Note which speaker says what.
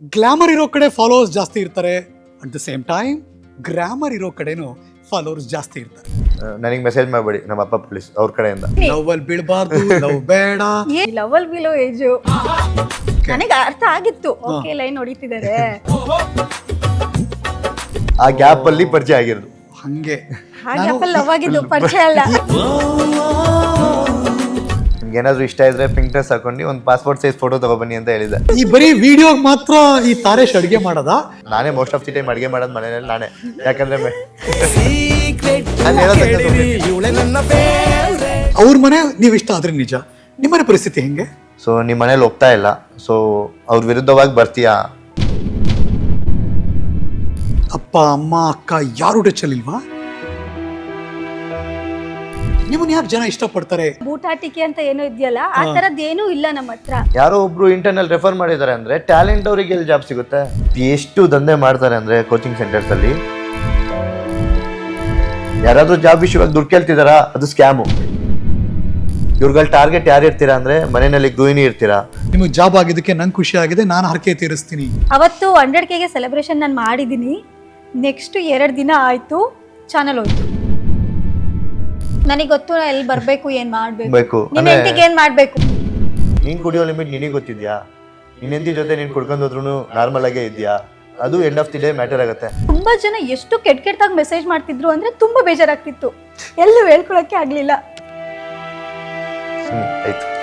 Speaker 1: Glamour ಇರೋ ಕಡೆ followers ಜಾಸ್ತಿ ಇರ್ತಾರೆ, at the same time grammar ಇರೋ ಕಡೆನೂ ಫಾಲೋವರ್ಸ್ ಜಾಸ್ತಿ ಇರ್ತಾರೆ.
Speaker 2: ನನಗೆ ಮೆಸೇಜ್ ಮಾಡಬೇಡಿ, ನಮ್ಮ ಅಪ್ಪ ಪೊಲೀಸ್ ಅವ್ರ ಕಡೆಯಿಂದ.
Speaker 1: ಲವ್ ಅಲ್ಲಿ ಬೀಳಬಾರ್ದು, ಲವ್ ಬೇಡ.
Speaker 3: ಲವಲ್ ಬಿಲೋ ಏಜು ನನಗೆ ಅರ್ಥ ಆಗಿತ್ತು. ಓಕೆ ಲೈನ್ ಹೊಡಿತಿದ್ದಾರೆ.
Speaker 2: ಆ ಗ್ಯಾಪ್ ಅಲ್ಲಿ ಪರಿಚಯ ಆಗಿರೋದು.
Speaker 1: ಹಂಗೆ
Speaker 3: ಲವ್ ಆಗಿದ್ದು ಪರಿಚಯ ಅಲ್ಲ.
Speaker 2: ನಿಮ್ಗೆ ಏನಾದ್ರು ಇಷ್ಟ ಇದ್ರೆ ಪಿಂಕ್ ಡ್ರೆಸ್ ಹಾಕೊಂಡು ಒಂದು ಪಾಸ್ಪೋರ್ಟ್ ಸೈಜ್ ಫೋಟೋ ತಗೊಬನ್ನಿ ಅಂತ ಹೇಳಿದ್ದೆ.
Speaker 1: ಈ ಬರೀ ವಿಡಿಯೋ ಮಾತ್ರ ಈ ತಾರೇಶ್ ಅಡ್ಗೆ ಮಾಡದ?
Speaker 2: ನಾನೇ ಮೋಸ್ಟ್ ಆಫ್ ದಿ ಟೈಮ್ ಅಡುಗೆ ಮಾಡೋದು ಮನೆಯಲ್ಲಿ ನಾನೇ. ಯಾಕಂದ್ರೆ
Speaker 1: ಅವ್ರ ಮನೆ ನೀವ್ ಇಷ್ಟ ಆದ್ರೆ ನಿಜ, ನಿಮ್ಮನೆ ಪರಿಸ್ಥಿತಿ ಹೆಂಗೆ?
Speaker 2: ಸೊ ನಿಮ್ಮ ಮನೇಲಿ ಒಪ್ತಾ ಇಲ್ಲ, ಸೊ ಅವ್ರ ವಿರುದ್ಧವಾಗಿ ಬರ್ತೀಯಾ?
Speaker 1: ಅಪ್ಪ ಅಮ್ಮ ಅಕ್ಕ ಯಾರು ಟಚಲ್ಲಿಲ್ವಾ? ನಿಮ್ಮನ್ನ ಯಾಕೆ ಜನ ಇಷ್ಟಪಡ್ತಾರೆ?
Speaker 3: ಬೂಟಾಟಿಕೆ ಅಂತ ಏನೋ ಇದೆಯಲ್ಲ, ಆ ತರದ್ ಏನೂ ಇಲ್ಲ ನಮ್ಮ ಹತ್ರ.
Speaker 2: ಯಾರೋ ಒಬ್ರು ಇಂಟರ್ನಲ್ ರೆಫರ್ ಮಾಡಿದ್ದಾರೆ ಅಂದ್ರೆ ಟ್ಯಾಲೆಂಟ್ ಅವರಿಗೆ ಎಲ್ಲಿ ಜಾಬ್ ಸಿಗುತ್ತೆ? ಎಷ್ಟು ದಂಧೆ ಮಾಡ್ತಾರೆ ಅಂದ್ರೆ ಕೋಚಿಂಗ್ ಸೆಂಟರ್ಸ್ ಅಲ್ಲಿ. ಯಾರಾದ್ರೂ ಜಾಬ್ ವಿಷಯವಾಗಿ ದುಡ್ಡು ಕೇಳ್ತಿದಾರಾ? ಅದು ಸ್ಕ್ಯಾಮು. ಇವ್ರುಗಳ ಟಾರ್ಗೆಟ್ ಯಾರು ಇರ್ತೀರಾ ಅಂದ್ರೆ ಮನೆಯಲ್ಲಿ ಗೃಹಿಣಿ ಇರ್ತೀರಾ.
Speaker 1: ನಿಮಗೆ ಜಾಬ್ ಆಗಿದ್ದಕ್ಕೆ ನಂಗೆ ಖುಷಿ ಆಗಿದೆ, ನಾನು ಹರಕೆ ತೀರಿಸ್ತೀನಿ.
Speaker 3: ಅವತ್ತು 100Kಗೆ ಸೆಲೆಬ್ರೇಷನ್ ನಾನು ಮಾಡಿದ್ದೀನಿ. ನೆಕ್ಸ್ಟ್ 2 ದಿನ ಆಯ್ತು, ಚಾನಲ್ ಹೋಯ್ತು. ನನಗೆ ಗೊತ್ತು ಎಲ್ಲಿ ಬರ್ಬೇಕು, ಏನ್ ಮಾಡ್ಬೇಕು, ನಿಮ್ ಹೆಂಡತಿಗೆ ಏನ್ ಮಾಡ್ಬೇಕು.
Speaker 2: ನೀನ್ ಕುಡಿಯೋ ಲಿಮಿಟ್ ನಿನಗೆ ಗೊತ್ತಿದ್ಯಾ? ನಿನ್ ಹೆಂಡತಿ ಜೊತೆ ನೀನ್ ಕುಡ್ಕೊಂಡು ಹೋದ್ರು ನಾರ್ಮಲ್ ಆಗೇ ಇದೆಯಾ? ಅದು end of the day matter ಆಗುತ್ತೆ.
Speaker 3: ತುಂಬಾ ಜನ ಎಷ್ಟು ಕೆಟ್ಟದಾಗಿ ಮೆಸೇಜ್ ಮಾಡ್ತಿದ್ರು ಅಂದ್ರೆ ತುಂಬಾ ಬೇಜಾರಾಗ್ತಿತ್ತು. ಎಲ್ಲೂ ಹೇಳ್ಕೊಳಕ್ಕೆ ಆಗ್ಲಿಲ್ಲ.
Speaker 2: ಆಯ್ತು.